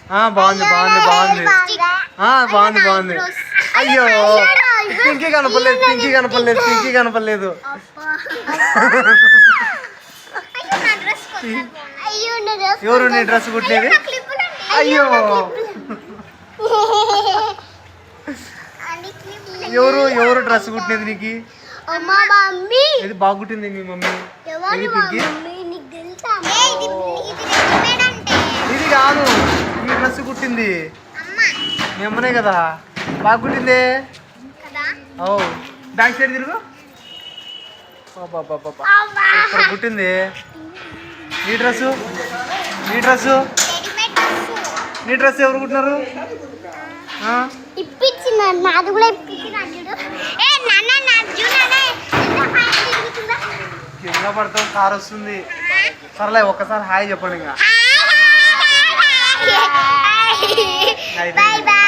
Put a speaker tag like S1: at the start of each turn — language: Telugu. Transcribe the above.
S1: బాగుంది బాగుంది బాగుంది బాగుంది బాగుంది. అయ్యో పింకీ కనపడలేదు పింకీ కనపడలేదు పింకీ కనపడలేదు. ఎవరు నీ డ్రెస్ కుట్టినది? అయ్యో ఎవరు ఎవరు డ్రెస్ కుట్టినది నీకు? ఇది బాగా కుట్టింది మీ మమ్మీ. ఇది పింకీ ఇది కాదు ఈ డ్రెస్ కుట్టింది మీ అమ్మనే కదా. బాగా కుట్టింది. ఓ బ్యాక్ సైడ్ తిరుగు. ఇక్కడ కుట్టింది. నీ డ్రెస్సు నీ డ్రెస్సు నీ డ్రెస్ ఎవరు కుట్టినారు? కింద పడతాం కార్ వస్తుంది. సర్లే ఒక్కసారి హాయ్ చెప్పండి ఇంకా.